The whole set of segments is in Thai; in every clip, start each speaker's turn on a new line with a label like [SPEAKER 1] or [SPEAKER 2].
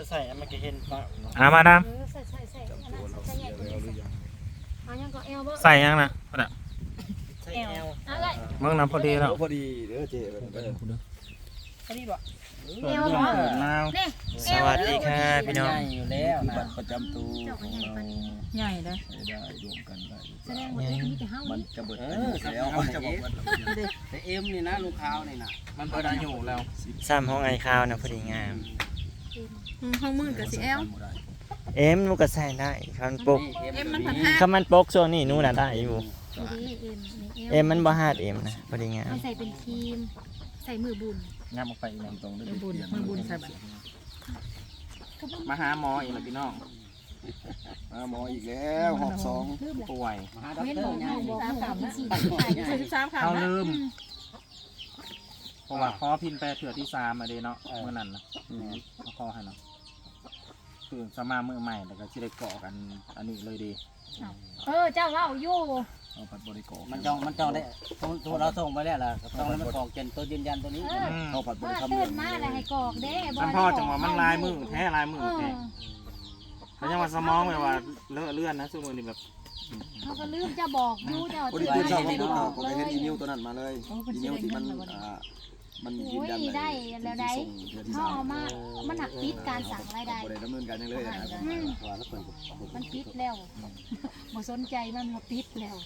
[SPEAKER 1] ใส่มันก็เห็นปะ
[SPEAKER 2] มาดาม
[SPEAKER 3] ใส่ใหญ่กว่านี้เอายังก็เอวบ่
[SPEAKER 2] ใส่ยังนะพอด
[SPEAKER 1] ใส่แอล
[SPEAKER 3] อะไร
[SPEAKER 2] เมื่อน้ำพอดีแล้ว
[SPEAKER 4] พอดีเด้อเจ๊
[SPEAKER 3] พอดีบ่
[SPEAKER 1] เอลบ่
[SPEAKER 2] นาว
[SPEAKER 3] นี่
[SPEAKER 2] สวัสดีค่ะพี่น้อง
[SPEAKER 1] อยู่แล้วนะ
[SPEAKER 4] บัตรประจำตัว
[SPEAKER 3] เจ้าก็ใหญ่ปานนี้
[SPEAKER 5] ใหญ่เลย
[SPEAKER 4] ได้รวมกันได้
[SPEAKER 3] แสดงว่ามีแต่เฮา
[SPEAKER 4] มัน
[SPEAKER 3] นี่
[SPEAKER 4] จะเบิดแล้วมันจะบอกว่า
[SPEAKER 1] แต่เอ็มนี่นะลูกค้านี่นะมันพอได้อยู่แล้ว
[SPEAKER 2] ซ้ำห้องไอคาวนะพอดีงาม
[SPEAKER 5] ห้องมืดกับสีแอล
[SPEAKER 2] เอ็มนูก็ใส่ได้คันปก
[SPEAKER 5] เอ็มมันพันห้า
[SPEAKER 2] คำมันปกช่วงนี้นู่นน่ะได้อยู่
[SPEAKER 3] ดีเอ็ม
[SPEAKER 2] เอ็มมันบ่ฮาดเอ็มนะพอดีงาม
[SPEAKER 3] ใส่เป็นครีมใส่มือบุญ
[SPEAKER 1] งามออกไปอีกนะ
[SPEAKER 4] ตรงได้
[SPEAKER 5] มือบุญมือบุญใส่บัตร
[SPEAKER 1] มาหาหมออีกแล้วพี่น้อง
[SPEAKER 4] หมออีกแล้วหอบสอง
[SPEAKER 1] ป่วย
[SPEAKER 3] เว้นบอกบอกกินสิ
[SPEAKER 5] 43ค่ะ
[SPEAKER 1] เขาลืมเพราะว่าขอพินไปเถื่อที่3มาเด้เนาะเมื่อนั้นนะเขาขอให้เนาะตื่นสมาเมื่อใหม่แล้วก็สิได้เกาะกันอันนี้เลยดี
[SPEAKER 3] เจ้าเว้าอยู่
[SPEAKER 4] เอาผัดบริโภค
[SPEAKER 6] มันจองได้ทุกเราส่งไปแล้วล่ะต้องให้มันกรอกเจนตัวยืนยันตัวนี้
[SPEAKER 4] เอาผัดบริ
[SPEAKER 3] ว่า
[SPEAKER 4] คำ
[SPEAKER 3] ตื่นมาแล้วให้กอกเด้
[SPEAKER 1] มันพ่อจังหวะมันลายมือแท้ลายมือแท้แล้วยังว่าสมองแบบว่าเลอะเลื่อนนะซึ่งมือนี่แบบ
[SPEAKER 3] เขาก็ลืมจะบอกอยู่เจ้า
[SPEAKER 4] พอดีตื่นเช้ามาปุ๊บผมไปเห็นอีเมลตัวนั้นมาเลยอีเมลที่มันมันยืนยันเลย
[SPEAKER 3] ได้แล้วได้เขาเอามามันหักปิดการสั่งรายได้
[SPEAKER 4] บริดำเนินการยังเลยนะ
[SPEAKER 3] มันปิดแล้วบ่สนใจมันมาปิดแล้ว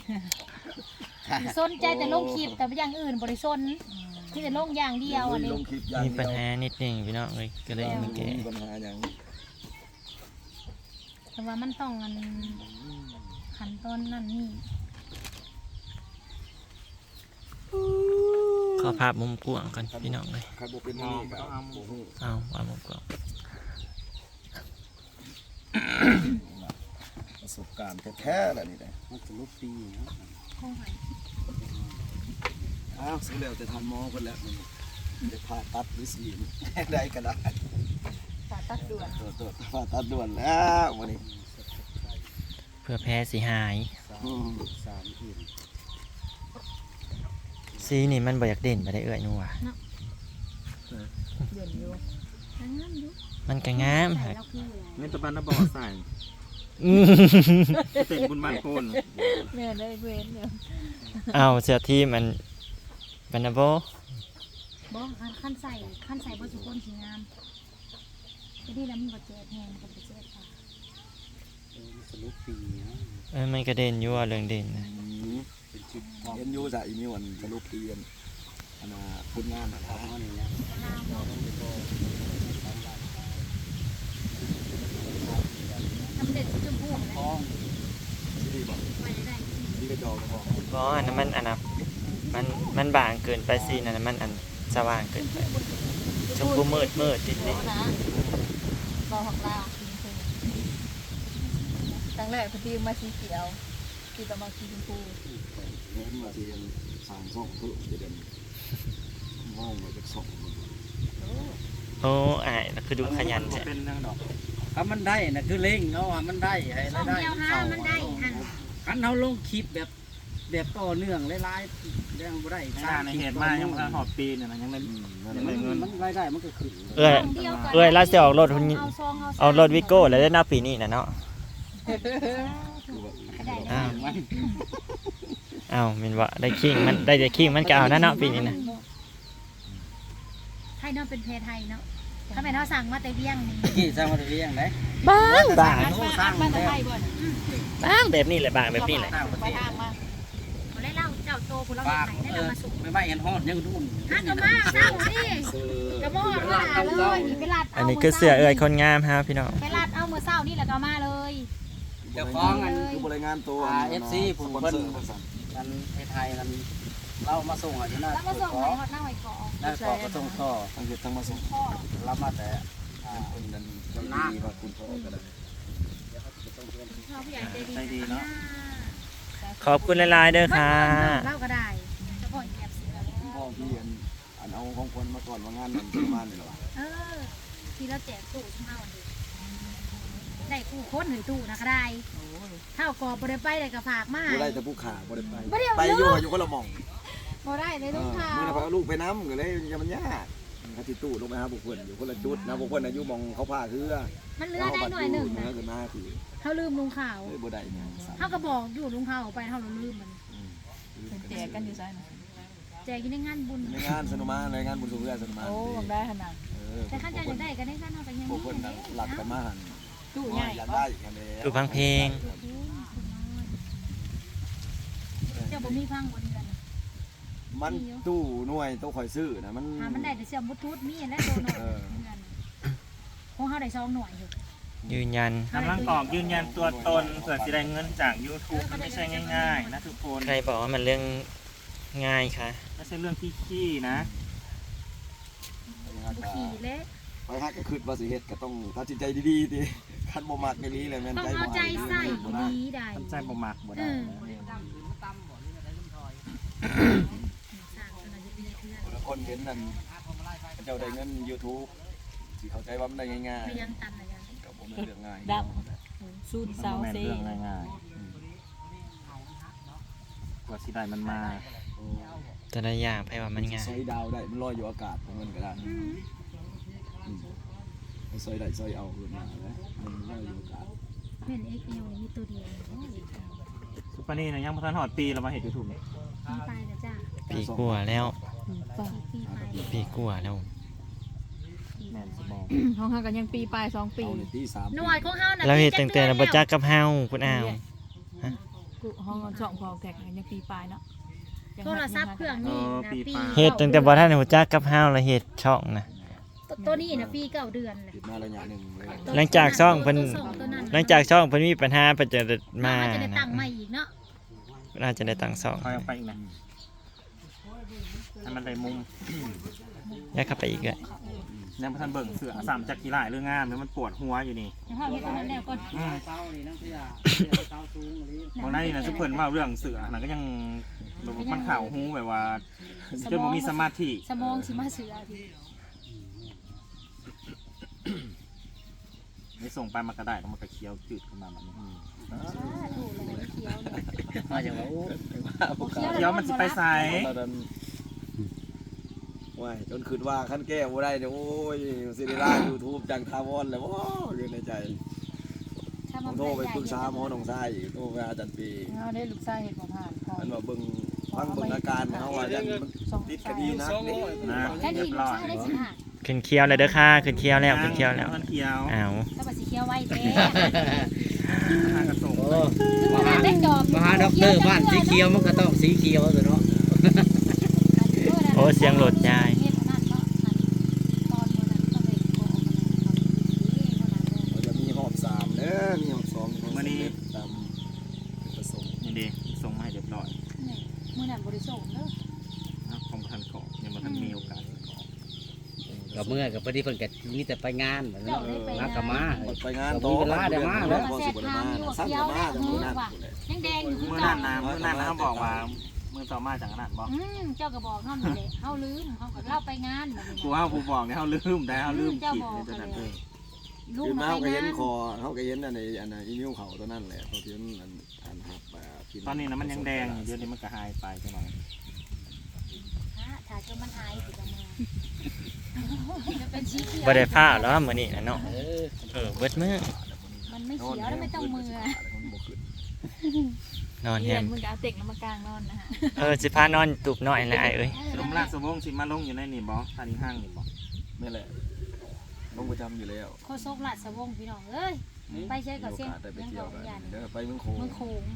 [SPEAKER 3] สนใจแต่ลงคลิปแต่อย่างอื่นบริสนที่แต่ลงอย่างเดียวอันนี้
[SPEAKER 4] ลงคลิปอย่าง
[SPEAKER 2] มี
[SPEAKER 4] เดี
[SPEAKER 2] ปัญ
[SPEAKER 4] ยว
[SPEAKER 2] หานิดหนึงพี่น้องเลยก็เลยมาแก้
[SPEAKER 4] มีปัญหาอย่าง
[SPEAKER 3] แต่ว่ามันต้องอันขั้นตอนนั่นนี่
[SPEAKER 2] ขอภาพมุมกว้างกันพี่น้องเลย
[SPEAKER 4] ใครบอกเป็นนี่กับโอ้โห
[SPEAKER 2] เอาว่ามุมกว้าง
[SPEAKER 4] ประสบการณ์แท้ๆแหละนี่แหละ
[SPEAKER 6] มันจะลุกปี
[SPEAKER 3] คงหาย
[SPEAKER 4] อ้าวซื้อแล้วจะทำหมอคนแล้วจะผ่าตัดหรือสีได้ก็ได้
[SPEAKER 5] ผ่าตัดด่วน
[SPEAKER 4] ตัวผ่าตัดด่วนแล้ววันนี้
[SPEAKER 2] เพื่อแพ้สีหาย
[SPEAKER 6] 3อื่น
[SPEAKER 2] สีนี่มันบ่อยากเด่นไปได้เอื้อยนู่นว่ะ
[SPEAKER 5] เด่นอยู่
[SPEAKER 3] ทั้งนั้นอยู่
[SPEAKER 2] มันก็งาม
[SPEAKER 3] ใส่
[SPEAKER 2] ฮะ
[SPEAKER 3] เราคืออะไร
[SPEAKER 1] เมตาบันนะบอกใส่เต็มบุญบ้านโคน
[SPEAKER 5] แม่ได้เว้นเนี่ย
[SPEAKER 2] เอาเสื้อที่มันบันนาโบ
[SPEAKER 3] บ่ขั้นใส่บ่สุคนสีงามจะดีแล้วมันบ่เจ็บแฮงกับบ่เจ็บค่ะ
[SPEAKER 6] จะลุกปีนะ
[SPEAKER 2] มันก็เด่นอยู่ว่าเรื่องเด่นนะ
[SPEAKER 6] เป็นชุดทอง
[SPEAKER 4] เอ็นยูจากอีมิวอันสรุปเรียนอันคุณงานนะ
[SPEAKER 6] ทองนี่นะ
[SPEAKER 3] ทำเด็ดชมพู
[SPEAKER 6] ทอง
[SPEAKER 4] ที่ดีบอก
[SPEAKER 3] ไปได้
[SPEAKER 4] ที่กระจอกบอก
[SPEAKER 2] เพราะอันนั้นมันอันนั้นมันบางเกินไปสีนั่นนะมันอันสว่างเกินไปชมพูมืดติดนี่
[SPEAKER 5] นะรอของเราครั้งแรกพอดีมาสีเขียวที่ต่อมาสีชมพู
[SPEAKER 4] เห็นมาที่สามช่องเพิ่มจะเดินมองมาจากสอง
[SPEAKER 2] โอ้อายแล้วคือดูขยันใช่
[SPEAKER 1] เป็นเรื่องดอก
[SPEAKER 6] ถ้ามันได้นะคือเล่งเอาว่ามันได้ให้
[SPEAKER 3] ช่อง
[SPEAKER 6] ได้
[SPEAKER 3] เดียวห้ามันได้หัน
[SPEAKER 6] คันเฮาลงคลิปแบบต่อเนื่องหลายๆเรื่องบ่ได้
[SPEAKER 1] ไม่ได้ในเหตุมายังมาหอบปีเนี่ยนะยังได้ยังได้เงิน
[SPEAKER 6] มันรายได้มันก็ขึ้น
[SPEAKER 2] เอ้ยแล้วจะออกรถหุ่นเอารถวิโก้แล้วได้หน้าปีนี้นะเนาะอ้าวมินว่าได้คิงมันได้แต่คิงมันก็เอานะเนาะปีนี้นะ
[SPEAKER 3] ไทยเนาะเป็นเพไทยเนาะถ้าเป็นเขาสั่งมาแต่เวียงนี่
[SPEAKER 6] กี่สร้างมาเรียงได้
[SPEAKER 2] บาง
[SPEAKER 6] สร้าง
[SPEAKER 5] มา
[SPEAKER 6] มา
[SPEAKER 5] แต่
[SPEAKER 6] แล้ว
[SPEAKER 5] ไทยบ่อน
[SPEAKER 2] บางแบบนี้แหละบางแบบนี้แหละ
[SPEAKER 6] ต่างประ
[SPEAKER 5] ไป
[SPEAKER 6] เทศ
[SPEAKER 5] ทางมา
[SPEAKER 3] เขาได้เล่าเจ้าโตคุณเรา
[SPEAKER 6] ฝาก
[SPEAKER 3] ไหนได้เรามาสุก
[SPEAKER 6] ไม่ไหวเห็นฮอดยังรุ่น
[SPEAKER 3] ฮักก็มาเศร้าสิกระมอดมาเลยนี่ไปรัด
[SPEAKER 2] อันนี้คือเสื้อเอ้ยคนงามฮะพี่น้อง
[SPEAKER 3] ไปรัดเอามือเศร้านี่แล้วก็มาเลย
[SPEAKER 6] เจ้าของอัน
[SPEAKER 4] คือบริงานตัว
[SPEAKER 6] FC ผู้เพิ่นกันไทยกันเรามาส่งอ่ะอยู่นะ
[SPEAKER 3] แล้วมาส่งหอยฮอดหน้าหอยเกาะ
[SPEAKER 6] นั่นก็มาส่งต่อ
[SPEAKER 4] ทั้งเด็ดทั้งมาส่ง
[SPEAKER 3] พ่อ
[SPEAKER 6] รับมาแต่
[SPEAKER 4] คนนั้นคนดีว่าคุณพ่อก็ได้
[SPEAKER 3] พ่อผู้ใหญ่ใจดี
[SPEAKER 1] ใจดีเนาะ
[SPEAKER 2] ขอบคุณหลายๆเด้อค่ะ
[SPEAKER 3] เล่าก็ได้จะพ่อแอบเสือ
[SPEAKER 4] พ่อพี่อันเอาของคนมาก่อนว่างานนั้นประมาณนี้หรอ
[SPEAKER 3] ที่เราแจกตู้ช่างวันดีได้กู้ค้นหรือตู้นะก็ได้เท่ากอบได้ไปได้ก็ฝากมา
[SPEAKER 4] บ่ได้แต่ผู้ขาบ่ได้
[SPEAKER 3] บ่ได้
[SPEAKER 4] ไปอยู่ก็ละหม่อง
[SPEAKER 3] บ่ได้เลยต้องค่ะ
[SPEAKER 4] มื้อนั้นพาลูกไปน้ำก็เลยมันยากเขาสิตู้ลงไปหาพวกเพิ่นอยู่คนละจุดนะพวกเพิ่นอายุมองเขาพาคือ
[SPEAKER 3] มันเหลือได้หน่อยหนึ่ง
[SPEAKER 4] นะ
[SPEAKER 3] นะ
[SPEAKER 4] ขึ้นมาคือ
[SPEAKER 3] เขาลืมลุงข่าว
[SPEAKER 4] เอ้ยบ่ได้เนี่ย
[SPEAKER 3] เขาก็บอกอยู่ลุงข่าวไปเขาลืมมัน
[SPEAKER 5] เป็นแจกกันอยู่ไสนะ
[SPEAKER 3] แจกกินในงานบุญ
[SPEAKER 4] ในงานสนุมานในงานบุญสุเรือสนุมาน
[SPEAKER 5] โอ้ผมได้ขนาด
[SPEAKER 3] แต่ข้าจะได้ก็ได้กันเอาไปยัง
[SPEAKER 4] พวกเพิ่นน่ะหลักกันมาหัน
[SPEAKER 5] ตู้ใหญ่
[SPEAKER 4] อยากได้กันเลย
[SPEAKER 2] ตู้ฟังเพลง
[SPEAKER 3] เจ้าบ่มีพังบนกัน
[SPEAKER 4] มันตู้หน่วยตู้ข่อยซื้อนะมัน
[SPEAKER 3] มันได้แต่เสียมบุทุดมีและโดนของเขาได้2หน่วยอยู่
[SPEAKER 2] ยืนยัน
[SPEAKER 1] กำลังกรอกยืนยันตัวตนเผื่อจะได้เงินจาก YouTube มันไม่ใช่ง่ายๆนะทุกคน
[SPEAKER 2] ใครบอกว่ามันเรื่องง่ายคะ
[SPEAKER 1] ไม่ใช่เรื่องที่ขี้นะ
[SPEAKER 3] บุขี่เละ
[SPEAKER 4] ไปฮักก็คือว่าสิเฮ็ดก็ต้องตัดสินใจดีๆติคันบ่มักไม่ลีเลยแม่น
[SPEAKER 3] ต้อง
[SPEAKER 4] ใจ
[SPEAKER 3] เอา
[SPEAKER 4] บ่
[SPEAKER 3] ใจใส่ดีได้
[SPEAKER 1] ทำใจบ่มักบ่ได้นะ
[SPEAKER 4] คนเห็นนั่นเจ้าได้เงิน YouTube สิเข้าใจว่ามันได้ง่าย
[SPEAKER 3] พยายามตันอะไรอย่าง
[SPEAKER 4] ๆก็บ่แม่นเรื่องง่าย
[SPEAKER 5] ดับสูตร
[SPEAKER 1] มัน
[SPEAKER 5] เซา
[SPEAKER 1] บ่แม่น
[SPEAKER 5] เซ่
[SPEAKER 1] เรื่องง่ายๆกว่าสิได้มันมา
[SPEAKER 2] แต่ละอย่างไพ่ว่ามันง่าย
[SPEAKER 4] ซอยดาวได้มันลอยอยู่อากาศของมันก็ได้ซอยได้ซอยเอาขึ้นมาแล้วมันลอยอยู่อากาศ
[SPEAKER 3] เพื่อนเอ็กเอลมีตัวเดียว
[SPEAKER 1] ซุปเปอร์นี่นะยังบ่ทันฮอดปีแล้วมาเฮ็ด YouTube นี่
[SPEAKER 3] ปีไปแล้วจ้า
[SPEAKER 2] ปีกว่าแล้ว
[SPEAKER 3] ปีไป
[SPEAKER 2] ปีกว่าแล้ว
[SPEAKER 1] แม่นสิบอก
[SPEAKER 5] ห้องเฮากันยังปีปลาย2 ปี
[SPEAKER 4] เอาในที่3
[SPEAKER 3] หน่วยของเฮาน่ะ
[SPEAKER 2] เราเห็นตั้งแต่เราบ่จักกับเฮาคุณอ้าว
[SPEAKER 5] กูห้องกันช่องพอแตกยังปีปลายเนาะ
[SPEAKER 3] โทรศัพท์เครื่องนี้นะปี
[SPEAKER 2] เฮ็ดตั้งแต่บ่ทันรู้จักกับเฮาแล้วเฮ็ดช่องนะ
[SPEAKER 3] ตัวนี้นะปี9 เดือนเลย
[SPEAKER 4] ติดมาระยะหนึงเลย
[SPEAKER 2] หลังจากช่องเพิ่นหลังจากช่องเพิ่นมีปัญหาเพิ่นจะมา
[SPEAKER 3] จะได้
[SPEAKER 2] นะ
[SPEAKER 3] ตังค์ใหม่อีกเนาะ
[SPEAKER 2] น่าจะได้ตั้งช่อง
[SPEAKER 1] คอยเอาไปอีกนะให้มันได้มุม
[SPEAKER 2] อยากเข้าไปอีกอ่ะ
[SPEAKER 1] ยังบ่ทันเบิ่งเสือสามจักกี่หลายเรื่องงามเนี่ยมันปวดหัวอยู่นี่
[SPEAKER 3] เดี๋ยวพ่อเฮ็ดตรงนั้นแล้วก่อน
[SPEAKER 6] เต้านี่นั่งเสียเต้าสูงหรือ
[SPEAKER 1] ตรงนั้นนี่นะซุปเพิ่นว่าเรื่องเสือน่ะก็ยังแบบว่ามันข่าวหูแบบว่าจนบ่มีสมาธิ
[SPEAKER 3] สมองสิมาเสือที
[SPEAKER 1] ไม่ส่งไปมันก็ได้แล้วมันก็เคี้ยวจืดขึ้นมาแบบนี้
[SPEAKER 3] ถูกเลยเขียวเลย
[SPEAKER 6] มาจากว่าโอ้
[SPEAKER 1] เคี้ยวมันสิไปใส่
[SPEAKER 4] ตอนนั้นว้ายจนคืนว่าขั้นแก้บ่ได้เนี่ยโอ้ยสิได้ล่า YouTube จังทาวอนแล้วโอ้อยู่ในใจผมโทรไปปรึกษาหมอหนองทรายอีกโทรไปหาอาจารย์ปี
[SPEAKER 5] เฮาได้ลูกชายเฮ็ดบ่ผ่านพอ
[SPEAKER 4] มันว่าเบิ่งฟังเบิ่งอาการเฮาว่ายันมันติดคดีนักนี่
[SPEAKER 1] นะ
[SPEAKER 3] แค่
[SPEAKER 1] เรี
[SPEAKER 3] นี้
[SPEAKER 1] ยบ
[SPEAKER 3] ลู
[SPEAKER 1] ร้
[SPEAKER 3] ก
[SPEAKER 1] อย
[SPEAKER 3] ชายได้สิค่ะ
[SPEAKER 2] ขึ้นเคี้ยวเลยเด้อค่ะขึ้นเคี้ยวแล้วขึ้นเคี้ยวแล้ว
[SPEAKER 1] มันเคี้ยว
[SPEAKER 2] อ้าว
[SPEAKER 3] ถ้าว่าสิเขียวไว้แท้
[SPEAKER 1] ทางกระส่ง
[SPEAKER 6] โอ้
[SPEAKER 3] คือมันได้จอบ
[SPEAKER 6] มหาด็อกเตอร์บ้านสีเขียวมันก็ต้องสีเขียวตัวเนาะ
[SPEAKER 2] โอ้เสียงโหลดยาย
[SPEAKER 3] เฮ็ดนั่นเนาะตอนมื้อนั้นก็ไปโกง
[SPEAKER 4] เราจะมีหอบ3เด้อมีหอบ2มื้อนี้ตามประสงค์
[SPEAKER 1] นี่ดีส่งมาให้เรียบร้อย
[SPEAKER 3] มื้อนั้นบ่ได้ส่งเด้อ
[SPEAKER 1] นะของทันเกาะยังบ่ทันมีโอกาสเกาะ
[SPEAKER 6] กับเมื่อกับพอดีเพิ่นก็มีแต่ไปงานแบบนั้น
[SPEAKER 3] เจ้าได้ไป
[SPEAKER 6] มากกับมา
[SPEAKER 4] ไปงาน
[SPEAKER 6] มีเวลาเดี๋ยวมาแล้ว
[SPEAKER 4] พอสิบ่ได้มาสั่งก็มาแต่มื้อนั้น
[SPEAKER 3] ยังแดงอยู่คือ
[SPEAKER 1] เมื่อ
[SPEAKER 3] เก่า
[SPEAKER 1] นั้นนะเมื่อนั้นนะเขาบอกว่ามือต่อมาจากนั้นบอก
[SPEAKER 3] เจ้าก็บอกเฮานี่แหละเฮาลืมเฮาก็เล่าไปงานแบบนี้
[SPEAKER 1] กูว่ากูบอกเนี่ยเขาลืมได้เขาลืมขีดในตัวนั้น
[SPEAKER 3] ลูก
[SPEAKER 4] คือ
[SPEAKER 3] มา
[SPEAKER 4] มา
[SPEAKER 3] ไป
[SPEAKER 4] ก็เห็
[SPEAKER 3] งาน น
[SPEAKER 4] คอเฮาก็เห็นอันในอีนิ้วเขาตัวนั้นแหละตัวที่มันอันหับกิน
[SPEAKER 1] ตอนนี้นะมันยังแดงเดี๋ยวนี้มันก็หายไปใช่ไหม
[SPEAKER 3] ถ้าจนมันหายสิจังมาจะเป็นสีเขียว
[SPEAKER 2] บ่ได้ผ้าแล้วมื้อนี้นะเนาะ
[SPEAKER 6] เออ
[SPEAKER 2] เบิดมื้อ
[SPEAKER 3] มันไม่เขียวแล้วไม่ต้องมือ
[SPEAKER 2] นอนแฮ
[SPEAKER 5] เรียน
[SPEAKER 2] ม
[SPEAKER 5] มึงก็เอาเต็กน้ำมากลางนอนนะฮะ
[SPEAKER 2] สิพานอนตุบน้อยแหละไอ้เอ้ย
[SPEAKER 1] ลมลากสมองสิมาลงอยู่ในนี่บอทานีห้างนี่บอ
[SPEAKER 4] นี่แหละลงประจำอยู่แล้ว
[SPEAKER 3] โคโซกหลัดสวงพี่น้องเอ้ยไปใช้กับเส้น
[SPEAKER 4] ได้ไป
[SPEAKER 3] ยัง
[SPEAKER 4] เที่
[SPEAKER 3] ด
[SPEAKER 4] ยว
[SPEAKER 3] อก
[SPEAKER 4] กัน
[SPEAKER 3] ยาน
[SPEAKER 4] เด้อไปเมืองโขง
[SPEAKER 3] เมืองโขง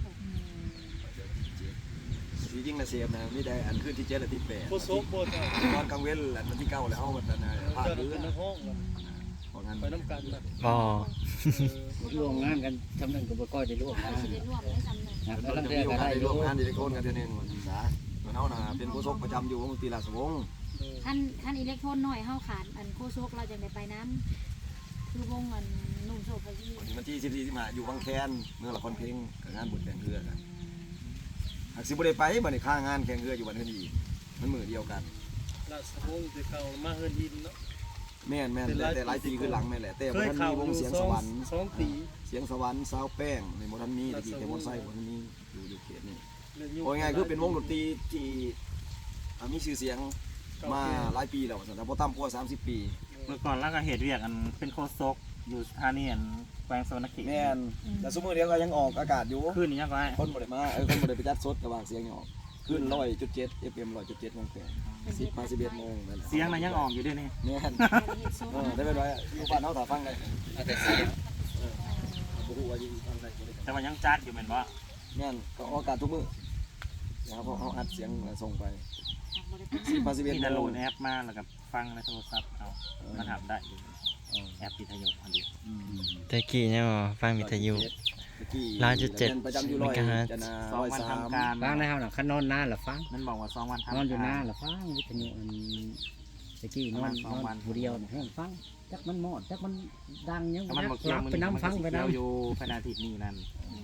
[SPEAKER 4] จริงๆนะเสียบนะไม่ได้อันขึ้นที่7และที่8โคโซกบ่ตอนกลางเว้นอันที่9แล้วเฮาบัดนั้นภาคพื้นของงานไปนำกัน
[SPEAKER 2] บ่
[SPEAKER 6] ร่วมงานกันทำนึงก็บ่ค่อยได้ร่วม
[SPEAKER 3] ไป
[SPEAKER 6] งาน
[SPEAKER 3] สิได้ร่วมได้สำเร็จ
[SPEAKER 6] นะ
[SPEAKER 4] แล้ว
[SPEAKER 6] กำลัง
[SPEAKER 4] จะ
[SPEAKER 6] เรีย
[SPEAKER 4] มี
[SPEAKER 6] ก
[SPEAKER 4] โอ
[SPEAKER 6] กัน
[SPEAKER 4] กาส
[SPEAKER 6] ได้
[SPEAKER 4] ได้
[SPEAKER 6] ร่
[SPEAKER 4] ร่
[SPEAKER 6] ว
[SPEAKER 4] ว
[SPEAKER 6] ม
[SPEAKER 4] มงานที่ได้โคนกันเทื่อนึงว่าศึกษาเฮาน่ะเป็นผู้ซกประจำอยู่ของตีราชวงศ์
[SPEAKER 3] ขั้นอิเล็กโทรนหน่อยเฮาขาดอันโคโซกเราจะได้ไปน้ำคือวงอันนุ่มโซไปที่
[SPEAKER 4] วันที่14ที่มาอยู่บางแคนเมืองละครเพลงกับงานบุญแข่งเรือกันหากสิบ่ได้ไปบัดนี้ค่างานแข่งเรืออยู่บัดนี้มันมื้อเดียวกัน
[SPEAKER 7] ราชวงศ์ที่เขามาเฮินดินเนาะ
[SPEAKER 4] แม่นแต่หลายปีขึ้นหลังแม่นแหละแต่บ่ทันมีวงเสียงสวรรค์
[SPEAKER 7] 2 ปี
[SPEAKER 4] เสียงสวรรค์สาวแป้งในบ่ทันมีตะกี้แต่บ่ใส่บ่ทันมีอยู่เขตนี้
[SPEAKER 7] เรื่องยุ่
[SPEAKER 4] โอ้ยง่ายคือเป็นวงดนตรีที่มีชื่อเสียงมาหลายปีแล้วว่าซั่นแต่บ่ต่ำกว่า30 ปี
[SPEAKER 1] เมื่อก่อนแล้วก็เหตุเวียกอันเป็นโคซกอยู่สถานีอันแขวงโซนกิ
[SPEAKER 4] แม่นแต่ซุมื้อเดียวก็ยังออกอากาศอยู่
[SPEAKER 1] ขึ้นนี่ยังก็ได้
[SPEAKER 4] คนบ่ได้มาคนบ่ได้ไปจัดสดกระบางเสียงยังออกขึ้น 100.7 FM 100.7 โมงแปด10 มา11 โมงนั่นแหละ
[SPEAKER 1] เสียงมันยังออกอยู่ด้วยนี่
[SPEAKER 4] แม่นได้เป็นไรอยู่บ้านเฮาถ้าฟังได้
[SPEAKER 6] แต่เสียง
[SPEAKER 4] บ่ฮู้ว่าอยู่ฟังได้บ่ได้
[SPEAKER 1] แต่ว่ายังจัดอยู่แม่นบ่
[SPEAKER 4] แม่นก็ออกอากาศทุกมื้อนะครับเพราะเฮาอัดเสียงแล้วส่งไป10 มา
[SPEAKER 1] มี
[SPEAKER 4] 11
[SPEAKER 1] แต่โหล
[SPEAKER 4] โมง
[SPEAKER 1] ดแอปมาแล้วก็ฟังในโทรศัพท์เอามันทำได้อยู่แอปวิทยุอันนี้
[SPEAKER 2] ตะกี้เนี่ยบ่ฟังวิทยุ 100.7
[SPEAKER 4] ประจำอยู่
[SPEAKER 2] เมกะฮัตซ์
[SPEAKER 4] จะนา
[SPEAKER 1] สองวันทำการ
[SPEAKER 6] ฟังได้เฮาน่ะคันนอนนานล่ะฟัง
[SPEAKER 1] มันบอกว่า2 วันทำ
[SPEAKER 6] นอนอยู่
[SPEAKER 1] กา
[SPEAKER 6] นาร นล่ะฟังวิทยุอันตะกี้นอน
[SPEAKER 1] ประมาณ2 วัน
[SPEAKER 6] ผู้เดียวน่ะห้องฟังจักมันหมอดจักมันดังยัง
[SPEAKER 1] แต่มันบอก
[SPEAKER 6] รับไปน้ำฟังไป
[SPEAKER 1] เดียว
[SPEAKER 6] น้ำ
[SPEAKER 1] อยู่ภายในอาทิตย์นี้นั่น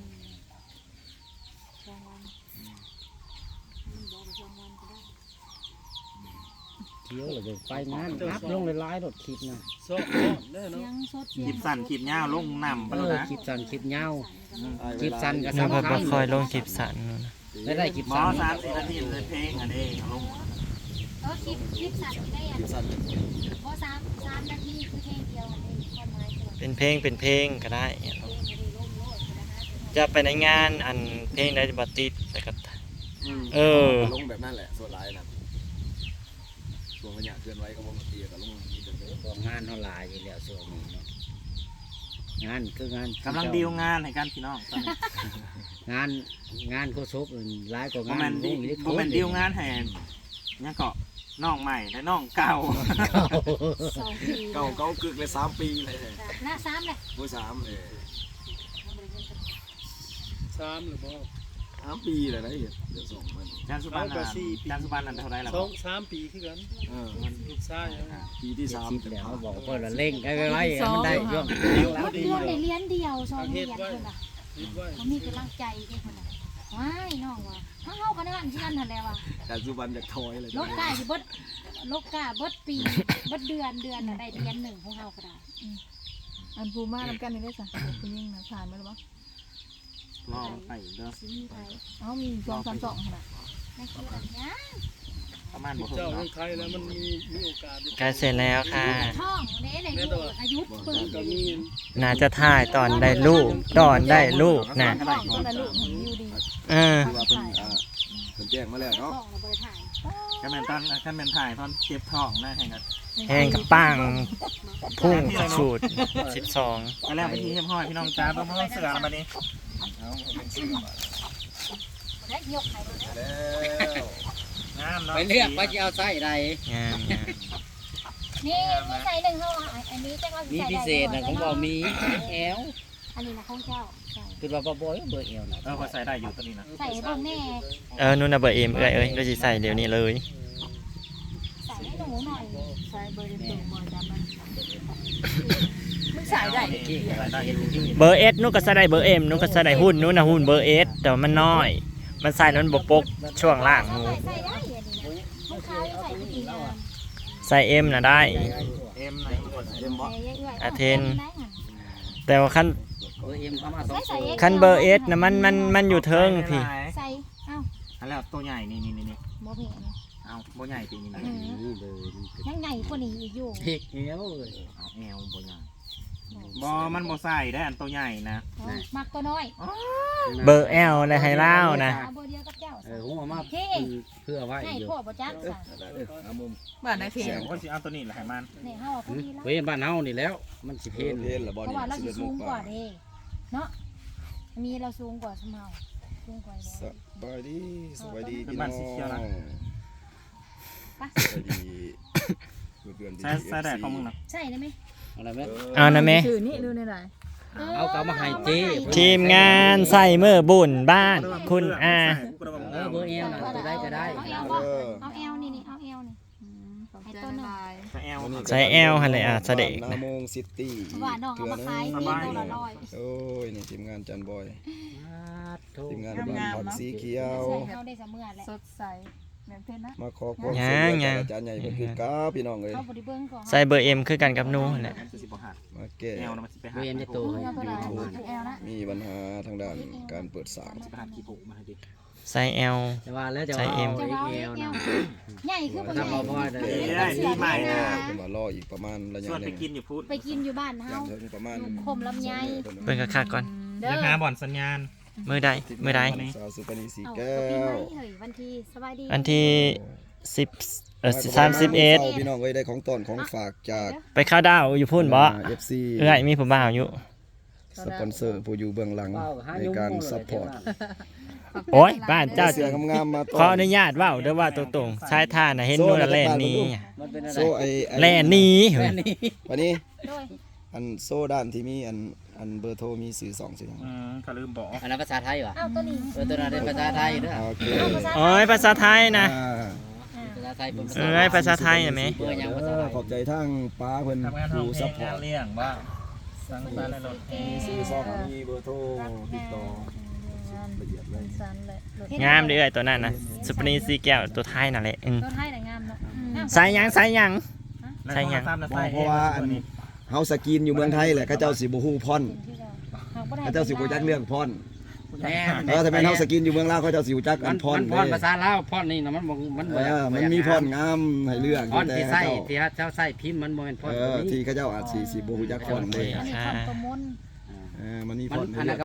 [SPEAKER 6] เที่ยวเลยไปงานนับลงหลายๆรถคลิปนะ
[SPEAKER 7] ซอกก้อนได้
[SPEAKER 3] เสีย
[SPEAKER 7] เนาะ
[SPEAKER 3] งสดเสีย
[SPEAKER 1] คลิ
[SPEAKER 3] ง
[SPEAKER 1] ปสั้นคลิปยาวลงนำไปแล้วนะ
[SPEAKER 6] คลิปสั้นคลิปยาว
[SPEAKER 4] อ้าย
[SPEAKER 6] คลิปสั้นก็
[SPEAKER 2] หนู
[SPEAKER 6] สำ
[SPEAKER 2] ก็
[SPEAKER 6] คั
[SPEAKER 2] บ่
[SPEAKER 6] ญ
[SPEAKER 2] ค่อยลงคลิปสั้นนู่นนะ
[SPEAKER 6] ได้คลิป
[SPEAKER 1] หมอ
[SPEAKER 6] สั้น
[SPEAKER 1] 3-4 นาทีเลยเพลงอันนี้เอาลง
[SPEAKER 3] คลิปสัตว์ได้อ่ะ
[SPEAKER 4] คลิปสั้น
[SPEAKER 3] เพราะ3 นาทีคือเพลงเดียวมันเองความหมายตัว
[SPEAKER 2] เป็นเพลงก็ได้
[SPEAKER 3] เพลงมันได้ร่มโลดนะฮะ
[SPEAKER 2] จะไปในงานอันเพลงได้บ่ติดแต่ก็ เออ
[SPEAKER 4] ลงแบบนั้นแหละส่วนหลายนะช่วงระยะเคลื่อนไหวก็บ่ตีก็ลงมีแต่เด้อ
[SPEAKER 6] ของงานเท่าหลายอยู่แล้วส่วนนี้เนาะงานคืองาน
[SPEAKER 1] กำลังดีลงานให้กันพี่น้องตอนนี้
[SPEAKER 6] งานโคชบหลายกว่า
[SPEAKER 1] โม
[SPEAKER 6] งา
[SPEAKER 1] เม
[SPEAKER 6] น
[SPEAKER 1] นต์ดี
[SPEAKER 6] วงอิเล็กท
[SPEAKER 1] โม
[SPEAKER 6] รอ
[SPEAKER 1] เม
[SPEAKER 6] นิ
[SPEAKER 1] น
[SPEAKER 6] กส์
[SPEAKER 1] ต์ดีลงานให้ยังเกาะน้องใหม่และน้องเก่า
[SPEAKER 3] 2 ปี
[SPEAKER 4] เก่ากึกเลย3 ปีเลย
[SPEAKER 3] หน้า3เลย
[SPEAKER 4] ผู้3
[SPEAKER 7] 3หรือบ่
[SPEAKER 4] 3 ปีเลยนะเดี๋ยวส่งมัน
[SPEAKER 1] จานสุบันน่ะจานสุบันนั่นเท่าไรล่ะ
[SPEAKER 7] 3 ปีคือกัน
[SPEAKER 1] มัน
[SPEAKER 7] ลูกชายอะ
[SPEAKER 4] ปีที่
[SPEAKER 6] คิด
[SPEAKER 4] 3
[SPEAKER 6] แล้วเขาบอกเพื่อนว่าเร่งไว้มันได้ย่อม
[SPEAKER 3] เดือนได้เรียนเดียว2เรียนคนละ
[SPEAKER 7] คิดไว้
[SPEAKER 3] เขามีกำลังใจเด้คนละว้ายน้องว่ะเฮาก็นั่นที่นั่นนั่นแหละว่ะ
[SPEAKER 4] แต่สุบันจากทอยเลย
[SPEAKER 3] ลกกาสิเบิดลกกาเบิดปีเบิดเดือนน่ะได้เรียนหนึ่งของเฮาก็ได้
[SPEAKER 5] อันภูมิมานำกันนี่ได้จ้ะคุณยิ่งนะผ่านไหมหรือเปล่า
[SPEAKER 1] ลองไปเด้อ
[SPEAKER 3] สิมีไผ
[SPEAKER 5] เอ้ามี2 3 2ขนาด
[SPEAKER 3] นั่นคืออันเนี้ย
[SPEAKER 1] ประมาณบ่
[SPEAKER 7] เจ้า
[SPEAKER 1] เนาะ
[SPEAKER 7] เมืองไทยแล้วมันมีโอกาสได้
[SPEAKER 2] ใกล้เสร็จแล้วค่ะ
[SPEAKER 3] ท่องเด้ในลูกอายุปึ้ง
[SPEAKER 7] ก็มี
[SPEAKER 2] น่าจะถ่ายตอนได้ลูกตอนได้ลูกนะ
[SPEAKER 5] ท้องก็ได้ลูกเห็นอยู่ดี
[SPEAKER 2] เออ
[SPEAKER 4] คือว่าเพิ่นแจ้งมาแล้ว
[SPEAKER 3] ท่อ
[SPEAKER 4] เนาะ
[SPEAKER 3] งเราบ่ได้ถ่าย
[SPEAKER 1] ก็แม่นตอนขั้นแม่นถ่ายตอนเก็บท้องนะแห่งกัน
[SPEAKER 2] แห้งกับปังพุ่งสูตร12
[SPEAKER 1] ไปแล้วไปที่เฮียมห้อยพี่น้องจ้าเบิ่งเสือแล้วบัดนี้
[SPEAKER 3] ได้ยกให้เลย
[SPEAKER 4] แล้ว
[SPEAKER 1] งามเนาะ
[SPEAKER 6] ไปเลือกว่าจะเอาไส้ใด
[SPEAKER 2] งาม
[SPEAKER 3] นี่มีใส่หนึ่งเฮาอันนี้จังว่า
[SPEAKER 6] มี
[SPEAKER 3] ใส่
[SPEAKER 6] พิเศษนะผมบอกมีแอล
[SPEAKER 3] อันนี้นะของเจ้าใส่
[SPEAKER 6] คือว่าบ่บ่อยเบอร์แอลนะ
[SPEAKER 1] ก็ใส่ได้อยู่ตัวนี้นะ
[SPEAKER 3] ใส่ให้เบิ่งแน่
[SPEAKER 2] นู่นน่ะเบอร์เอ็มเอ้ยก็สิใส่เดี๋ยวนี้เลย
[SPEAKER 3] ใส่ให้หนูหน่อย
[SPEAKER 5] ใส่เบอร์เต็มบ่จำมันมึงใส่ได้
[SPEAKER 1] ใส่ได้อยู่
[SPEAKER 2] เบอร์เอสนู่นก็ใส่ได้เบอร์เอ็มนู่นก็ใส่ได้หุ้นนู่นน่ะหุ้นเบอร์เอสแต่ว่ามันน้อย มันใส่แล้วมันบ่ปกช่วงล่างหนู
[SPEAKER 3] ใส่ได้อันนี้นะของเขายังใส่ดีนะ
[SPEAKER 2] ใส่เอ็มน่ะได้
[SPEAKER 1] เอ็มไหนหมด
[SPEAKER 4] เอ็มบ่
[SPEAKER 2] อาเทน แต่ว่าคัน
[SPEAKER 6] เบอร์เอ็มเข้ามา2
[SPEAKER 2] คันเบอร์เอสน่ะมันอยู่เทิงพี่
[SPEAKER 3] ใส่เอ้า
[SPEAKER 1] อันแล้วตัวใหญ่นี่
[SPEAKER 3] บ่เห็น
[SPEAKER 1] เอาบ่ใหญ่ปีนี้นะ
[SPEAKER 6] นี่เบอร์
[SPEAKER 3] ยังใหญ่กว่านี้อีกอยู่
[SPEAKER 6] เฮ็กแอลเลย
[SPEAKER 1] เอาแอลบ่ใหญ่บ่มันบ่ใส่ได้อันตัวใหญ่นะ
[SPEAKER 3] มักตัวน้อย
[SPEAKER 2] เบอร์แอลและไฮเล่านะ
[SPEAKER 3] เบอร์เดียวกับเจ้า
[SPEAKER 6] ผมเอามาเพื่อไว้
[SPEAKER 3] ให้
[SPEAKER 6] อยู่
[SPEAKER 3] พ่อบ่จักซะ
[SPEAKER 4] เอามุม
[SPEAKER 5] บ้านไหนเพล
[SPEAKER 1] เสียงก็สิเอาตัวนี้แหละให้มัน
[SPEAKER 3] นี่เฮาพอดีแล้ว
[SPEAKER 6] เว้ยบ้านเฮานี่แล้ว มันสิ
[SPEAKER 4] เพ
[SPEAKER 6] เพ
[SPEAKER 4] ล
[SPEAKER 6] น
[SPEAKER 4] เพลละบ่
[SPEAKER 3] เพราะ
[SPEAKER 4] นี่
[SPEAKER 3] ว่าเราสิ
[SPEAKER 4] 11
[SPEAKER 3] สูงกว่า
[SPEAKER 4] โม
[SPEAKER 3] เด้เนาะมีเราสูงกว่าสมเฮาสูงกว่า
[SPEAKER 4] สบายดีสบายดี
[SPEAKER 1] เป็น
[SPEAKER 4] พี่น้
[SPEAKER 1] บ้า
[SPEAKER 4] อน ง
[SPEAKER 1] สีเขียวนะ
[SPEAKER 3] ปะ
[SPEAKER 4] สบายดีเพื่อนๆ
[SPEAKER 1] ใส่ได้ของมึงนะ
[SPEAKER 3] ใช่ได้ไหม
[SPEAKER 6] อะไรแม่
[SPEAKER 2] เอานะแม่
[SPEAKER 5] ชื่อนี่ดูในไหน
[SPEAKER 6] เอากลับมาให้เจ้
[SPEAKER 2] ทีมงานใส่มือบุญบ้านคุณอา
[SPEAKER 6] เบอร์แอลนะตัวได้ก็ได้
[SPEAKER 3] เอาเอลบ่เอาเอลนี่เอาเอลนี่
[SPEAKER 5] ขอบใจละลาย
[SPEAKER 1] ใส่แอล
[SPEAKER 2] ใส่แอลหั่นเลยเสด็จ
[SPEAKER 4] นาโมงซิตี้
[SPEAKER 3] ว่าน้องเอามาขายนี่ตัวละร้อย
[SPEAKER 4] โอ้ยนี่ทีมงานจันบอยทีมงานบ้านผักสีเขียว
[SPEAKER 3] เฮาได้เสมอแหละ
[SPEAKER 5] สดใสเหมือนเพชรนะ
[SPEAKER 4] มาขอความช่วยเหลือจากอาจารย์ใหญ่เพิ่นคือกับพี่น้องเอ้ย
[SPEAKER 3] เขาบ่ได้เบิ่งก่อน
[SPEAKER 2] ใส่เบอร์เอ็มคือกันกับหนูหั่นแหละ
[SPEAKER 1] มันสิบ่หัก
[SPEAKER 4] มาแก้
[SPEAKER 1] แอลนะมันสิไปหั
[SPEAKER 6] เบ
[SPEAKER 1] ก
[SPEAKER 6] อร์เอ็มจะโตให้
[SPEAKER 3] เอาเท่าไหร่แอลนะ
[SPEAKER 4] มีปัญหาทางด้านการเปิดสาง
[SPEAKER 1] สิไปหักกี่ผูกมาให้ดิ
[SPEAKER 2] ไซส์ L
[SPEAKER 6] แต่ว่าแล้วจะ
[SPEAKER 2] ใช้
[SPEAKER 6] เอา
[SPEAKER 2] เอ็ม
[SPEAKER 3] จะว่า
[SPEAKER 6] เอ
[SPEAKER 3] เอ็
[SPEAKER 6] ว
[SPEAKER 3] ก
[SPEAKER 6] นะ
[SPEAKER 3] ใหญ่คือบ่
[SPEAKER 6] ถ้า
[SPEAKER 3] ใหญ่
[SPEAKER 6] บ่พอได้
[SPEAKER 1] ได้ดีใหม่นะ
[SPEAKER 4] เพิ่นว่ารออีกประมาณระยะ
[SPEAKER 1] ชวน
[SPEAKER 4] ห
[SPEAKER 1] ไป
[SPEAKER 4] นึง
[SPEAKER 1] กินอยู่พุทธ
[SPEAKER 3] ไปกินอยู่บ้านเฮา
[SPEAKER 4] อย่างเท่านี้ประมาณ
[SPEAKER 3] คมลำไย
[SPEAKER 2] เบิ่งคักๆก่อน
[SPEAKER 3] เด้อ
[SPEAKER 1] จะหาบ่อนสัญญาณ
[SPEAKER 2] มื้อใดมื้อใด
[SPEAKER 4] สาวสุปนีสี
[SPEAKER 3] เอา
[SPEAKER 4] แก้
[SPEAKER 3] ปีใหม่
[SPEAKER 4] ว
[SPEAKER 3] เฮ้ยวันที่สบายดี
[SPEAKER 2] วันที่31
[SPEAKER 4] พี่น้องเอ้ยได้ของต้นของฝากจาก
[SPEAKER 2] ไปเข้าดาวอยู่พุ่นบ่
[SPEAKER 4] FC
[SPEAKER 2] เอ้ยมีผู้บ่าวอยู่
[SPEAKER 4] สปอนเซอร์ผู้อยู่เบื้องหลังในการซัพพอร์ต
[SPEAKER 2] โอ้ยบ้านเจ้า
[SPEAKER 4] เสื้องามๆมาต้
[SPEAKER 2] ขออนุญาตเว้าเด้อว่าตรงๆชายท่าน่ะเห็นนู่นน่ะแล่นหนี้
[SPEAKER 6] มันเป็นอะไร
[SPEAKER 4] โซ่ไอ้
[SPEAKER 2] แล่นหนี้เฮ้
[SPEAKER 6] แค่
[SPEAKER 2] ย
[SPEAKER 6] นี้
[SPEAKER 4] วันนี้
[SPEAKER 3] โดย
[SPEAKER 4] อันโซ่ด้านที่มีอันเบอร์โทรมีสื่อ2สื่อ
[SPEAKER 1] ก็ลืมบอก
[SPEAKER 6] อันนั้นภาษาไทยวะ
[SPEAKER 3] อ้าวตัวนี้
[SPEAKER 6] ตัวนั้นเป็นภาษาไทยเด้อ
[SPEAKER 4] โอเค
[SPEAKER 3] เอาภาษา
[SPEAKER 2] โอ้ยภาษาไทยนะ
[SPEAKER 6] ภาษาไทยเป็น
[SPEAKER 2] เอ้ยภาษาไทยน่ะแหม
[SPEAKER 6] เบอร์ยังภาษาไทย
[SPEAKER 4] ขอบใจทั้งป้าเพิ่น
[SPEAKER 1] ทำงานห้อง
[SPEAKER 4] ผู้
[SPEAKER 1] เพล
[SPEAKER 4] ซัพ
[SPEAKER 1] ง
[SPEAKER 4] พอร์ต
[SPEAKER 1] เลี้ยงว่าสังสรรค์ในรถ
[SPEAKER 4] มีสื่อ2มีเบอร์โทรติดต่อละเอียดเลย
[SPEAKER 5] สันเลย
[SPEAKER 2] งามเด้อเอ้ยตัวนั้นน่ะสุปนีสีแก้วตัวไทยนั่นแหละ
[SPEAKER 3] ตัวไทยน่ะงามเนาะงาม
[SPEAKER 2] ใส่หยังใส่หยัง
[SPEAKER 1] ใช่ยัง
[SPEAKER 4] เพราะว่าอันเฮาสกินอยู่เมืองไทยแหละเขาเจ้าสิบ่ฮู้พร เขาเจ้าสิบ่จักเรื่องพร
[SPEAKER 6] แน่
[SPEAKER 4] ถ้าเป็นเฮาสกินอยู่เมืองลาวเขาเจ้าสิรู้จัก
[SPEAKER 6] มั
[SPEAKER 4] อั
[SPEAKER 6] น
[SPEAKER 4] น
[SPEAKER 6] พ
[SPEAKER 4] พ
[SPEAKER 6] ร
[SPEAKER 4] ร
[SPEAKER 6] พรภาษาลาวพรนี่นะมันมัน
[SPEAKER 4] มันมีพรงามให้เลือก
[SPEAKER 6] พรที่ใส่
[SPEAKER 4] แต่
[SPEAKER 6] ที่เจ้าใส่พิมพ์มันบ่แม่นพร
[SPEAKER 4] ที่เขาเจ้าอาจสิบ่ฮู้จักพรเลย
[SPEAKER 3] มีคำประมวล
[SPEAKER 4] มันมีพ
[SPEAKER 6] มัน
[SPEAKER 4] รให้
[SPEAKER 6] อัน
[SPEAKER 4] เลื
[SPEAKER 6] นั้
[SPEAKER 4] อน ก